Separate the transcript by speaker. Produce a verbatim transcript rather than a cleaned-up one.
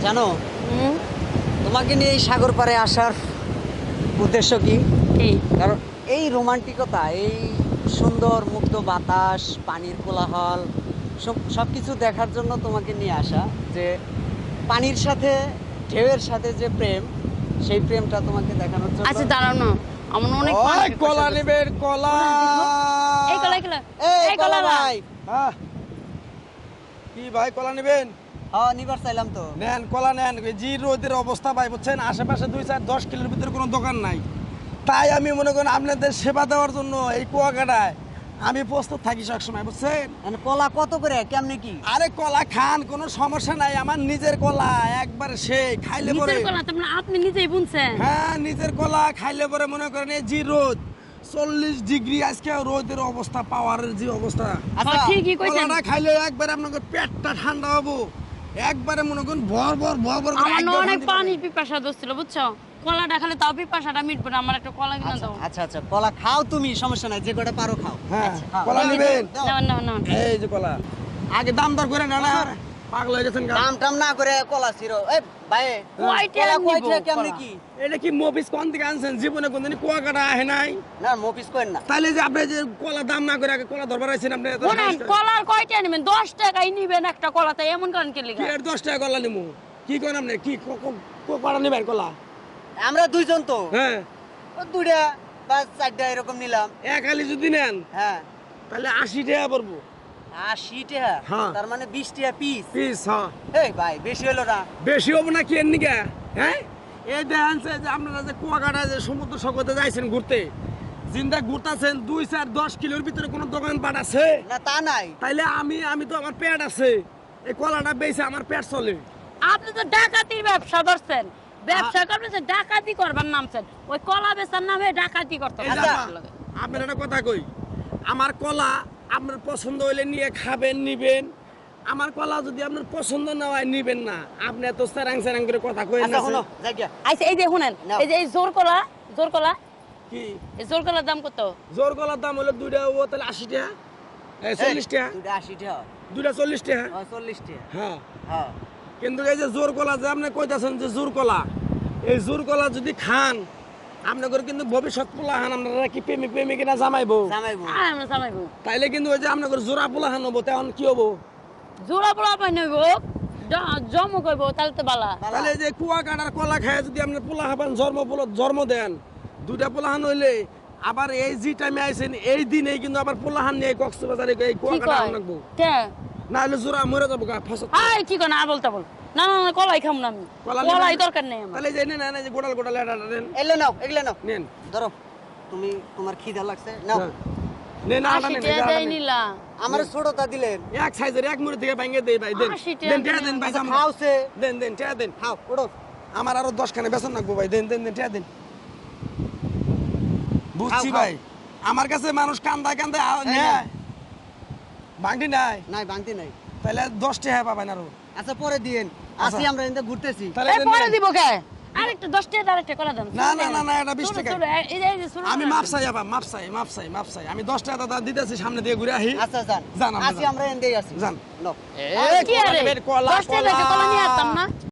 Speaker 1: জানো তোমাকে নিয়ে এই সাগর পাড়ে আসার উদ্দেশ্য কি?
Speaker 2: কি?
Speaker 1: কারণ এই রোমান্টিকতা, এই সুন্দর মুক্ত বাতাস, পানির কোলাহল সব সব কিছু দেখার জন্য তোমাকে নিয়ে আসা। যে পানির সাথে ঢেউয়ের সাথে যে প্রেম, সেই প্রেমটা তোমাকে দেখানোর জন্য।
Speaker 2: আচ্ছা দাঁড়াও না, আমার অনেক
Speaker 3: ওই
Speaker 2: পানি
Speaker 3: কলা
Speaker 2: পিপাসা
Speaker 3: নেবেন কলা।
Speaker 2: এই কলা কলা
Speaker 1: এই
Speaker 2: এই
Speaker 1: কলা
Speaker 2: কলা
Speaker 1: ভাই,
Speaker 3: হ্যাঁ কি ভাই কলা নেবেন?
Speaker 1: হ্যাঁ নিবার চাইলাম তো।
Speaker 3: নেন কলা নেন। জি রোদের অবস্থা ভাই বুঝছেন, আশেপাশে দুই চার দশ কিলোর ভিতরে কোনো দোকান নাই। তাই আমি মনে করেন আপনাদের সেবা দেওয়ার জন্য এই কুয়াকাটায় আমি প্রস্তুত থাকি সবসময় বুঝছেন।
Speaker 1: মানে কলা কত করে, কেমনে কি?
Speaker 3: আরে কলা খান, কোনো সমস্যা নাই, আমার নিজের কলা একবার সে খাইলে পরে।
Speaker 2: নিজের কলা তোমরা আপনি নিজেই বুনছেন?
Speaker 3: হ্যাঁ নিজের কলা খাইলে পরে মনে করেন এই জি রোদ চল্লিশ ডিগ্রি আজকে রোদের অবস্থা, পাওয়ারের যে অবস্থা,
Speaker 1: আচ্ছা
Speaker 2: হ্যাঁ, ঠিকই কইছেন।
Speaker 3: কলাটা খাইলে একবারে আপনাকে পেটটা ঠান্ডা হবো, একবারে মনে করেন ভর ভর ভর ভর করে
Speaker 2: আমার না
Speaker 3: একদম
Speaker 2: অনেক
Speaker 3: শান্তি
Speaker 2: পানির
Speaker 3: পাবে।
Speaker 2: পিপাসা ধরছিল বুঝছো, কলাটা খেলে তাও পিপাসাটা মিটবে না। আমার একটা কলা কিনে
Speaker 1: আচ্ছা
Speaker 2: দাও।
Speaker 1: আচ্ছা আচ্ছা, কলা খাও তুমি, সমস্যা নাই, যে কটা পারো খাও।
Speaker 3: হ্যাঁ
Speaker 1: আচ্ছা, খাও।
Speaker 3: কলা নেবেন?
Speaker 1: দাও।
Speaker 2: না না না
Speaker 3: এই যে কলা আগে দাম দর করে না না পাগল হয়ে গেছেন গা।
Speaker 1: দাম টাম না করে কলা ছিড়ো। এই ভাই,
Speaker 2: কয়টা
Speaker 1: কলা
Speaker 2: নিবো
Speaker 1: কয়টা, কেমনে
Speaker 2: কলা?
Speaker 1: কি?
Speaker 3: এটা কি মফিস কোন থেকে আনছেন? জীবনে কোনদিন কুয়াকাটা আহে নাই।
Speaker 1: না মফিস করেন না।
Speaker 3: তাইলে যে আপনি যে কলা দাম না করে আগে কলা ধরবার আইছেন আপনি, এত
Speaker 2: শুনেন,
Speaker 3: সাহস করে।
Speaker 2: কলার কয়টা নেবেন? দশ টাকাই নিবেন একটা কলাতে, এমন করেন কি
Speaker 3: কি
Speaker 2: লিগা?
Speaker 3: এর দশ টাকা কলা নিমু? কি করেন আপনি? কি ক- ক- ক- কলা নেবেন কলা?
Speaker 1: আমরা দুইজন তো,
Speaker 3: হ্যাঁ
Speaker 1: ও দুইটা বা চারটা এরকম নিলাম।
Speaker 3: এক আলি যদি নেন
Speaker 1: হ্যাঁ
Speaker 3: তাহলে আশি টাকা পড়বো
Speaker 1: আশি টাকা,
Speaker 3: হ্যাঁ।
Speaker 1: তার মানে বিশ টাকা পিস।
Speaker 3: পিস। হ্যাঁ
Speaker 1: এই ভাই বেশি হলো না?
Speaker 3: বেশি হবো না কি এর নিকে? হ্যাঁ এই দেখেন যে যে আপনারা যে কুয়াকাটা যে সমুদ্র সৈকতে যাইছেন ঘুরতে, জিন্দা ঘুরতেছেন, দুই চার দশ কিলোর ভিতরে কোনো দোকান পাট আছে?
Speaker 1: না তা নাই।
Speaker 3: তাইলে আমি আমি তো আমার পেট আছে, এই কলাটা বেচে আমার পেট চলে।
Speaker 2: আপনি তো ডাকাতির ব্যবসা ধরছেন, ব্যবসা করবেন, ডাকাতি করবার নামছেন, ওই কলা বেচার নামে ডাকাতি করতে
Speaker 3: এই যে
Speaker 2: হবে।
Speaker 3: আপা, আপনার একটা কথা কই, আমার কলা আপনার পছন্দ হইলে নিয়ে খাবেন, নিবেন। আমার কলা যদি আপনার পছন্দ না হয় নিবেন না। আপনি এত স্যারাং স্যারাং করে কথা কইেন
Speaker 1: আচ্ছা
Speaker 3: না।
Speaker 1: শোনো, যাই গিয়া।
Speaker 2: আচ্ছা এই যে শুনেন,
Speaker 1: নাও।
Speaker 2: এই যে এই জোর কলা, জোর কলা,
Speaker 3: কি
Speaker 2: এই জোর কলার দাম কত?
Speaker 3: জোর কলার দাম হলো দুইটা ও তাহলে আশি টাকা, এই চল্লিশ টাকা,
Speaker 1: দুইটা আশি টাকা,
Speaker 3: দুইটা চল্লিশ টাকা।
Speaker 1: ও চল্লিশ টাকা।
Speaker 3: হ্যাঁ
Speaker 1: হ্যাঁ
Speaker 3: কিন্তু এই যে জোর কলা যে আপনি কইতাছেন যে জোর কলা, এই জোর কলা যদি খান আপনাদের কিন্তু ভবিষ্যৎ পোলাহান আপনারা কি প্রেমিক প্রেমিকিনা জামাইবো,
Speaker 1: জামাইবো।
Speaker 2: আয় আমরা সামাইবো।
Speaker 3: তাইলে কিন্তু ওই যে আপনাদের জোড়া পোলাহান হবো, তখন কি হবো?
Speaker 2: জোড়া পোড়া পাই নইব, জমো কইব, তাহলে তো বালা।
Speaker 3: তাহলে এই যে কুয়া কাটার কলা খায় যদি আপনার পোলা হাবান জন্ম পোলা জন্ম দেন, দুইটা পোলাহান হইলে আবার এই যে টাইমে আইছেন এই দিনেই কিন্তু আবার পোলাহান নিয়ে কক্সবাজারে এই কুয়া
Speaker 2: কি
Speaker 3: কাটা
Speaker 2: কয়?
Speaker 3: লাগবো,
Speaker 2: কে?
Speaker 3: না হলে জোড়া মরে যাবো গা ফসল।
Speaker 2: আয় কি কয় না আবল তাবল? না না না, কলাই খাম না আমি,
Speaker 3: কলা নেবেন?
Speaker 2: কলাই দরকার নেই আমার।
Speaker 3: তাহলে এই যে নেন না, এই যে গোটাল গোটাল এটা নেন,
Speaker 1: এলে নাও, এগুলো নাও,
Speaker 3: নেন
Speaker 1: ধরো। তুমি, তোমার খিদা লাগছে, নাও।
Speaker 3: হ্যাঁ। নেন আটা
Speaker 2: আশি
Speaker 3: নেন,
Speaker 2: টাকা
Speaker 3: এই যে আটা
Speaker 2: দেয়
Speaker 3: নেন।
Speaker 2: নিলা।
Speaker 1: আমার ছোটটা দিলেন।
Speaker 3: এক সাইজের এক মুড়ি থেকে ভাঙিয়ে দেই ভাই, দেন
Speaker 2: আশি টাকা
Speaker 3: দেন টেয়া
Speaker 2: দিলেন।
Speaker 3: দেন ভাই,
Speaker 1: আচ্ছা,
Speaker 3: জামা।
Speaker 1: খাওছে,
Speaker 3: দেন দেন টেয়া দেন,
Speaker 1: খাও, ওড়ো।
Speaker 3: আমার আরো দশ খানে বেসন রাখবো ভাই, দেন দেন দেন টেয়া দেন। বুঝছি
Speaker 1: খাও।
Speaker 3: ভাই, আমার কাছে মানুষ কান্দা কান্দা
Speaker 1: এই
Speaker 3: নেয়,
Speaker 1: না।
Speaker 3: ভাঙটি নাই,
Speaker 1: নাই ভাঙতি নাই।
Speaker 3: তাহলে দশ টাকা পাবেন আরো।
Speaker 1: আচ্ছা পরে দিয়েন, আসি
Speaker 3: আচ্ছা।
Speaker 1: আমরা এনতে ঘুরতেছি।
Speaker 3: তাহলে
Speaker 2: এই
Speaker 3: দেন
Speaker 2: পরে
Speaker 3: নেন।
Speaker 2: দিব কে? আরেকটা দশ টাকা আরেকটা কলা দাম।
Speaker 3: না, না, না, না, এটা বিশ টাকা।
Speaker 2: এই যে এই যে ছোট
Speaker 3: আমি
Speaker 2: কলা।
Speaker 3: মাপ চাই আবার, মাপ চাই মাপ চাই মাপ চাই আমি দশ টাকা দাদা দিতেছি, সামনে দিয়ে ঘুরে আহি।
Speaker 1: আচ্ছা যান,
Speaker 3: যান, আমরা
Speaker 1: আসি
Speaker 3: যান।
Speaker 1: আমরা এনতেই আসি।
Speaker 3: যান।
Speaker 1: নাও।
Speaker 2: কি আরে?
Speaker 3: কলা,
Speaker 2: দশ টাকা
Speaker 3: কলা।
Speaker 2: কলা নিয়ে আসতাম না।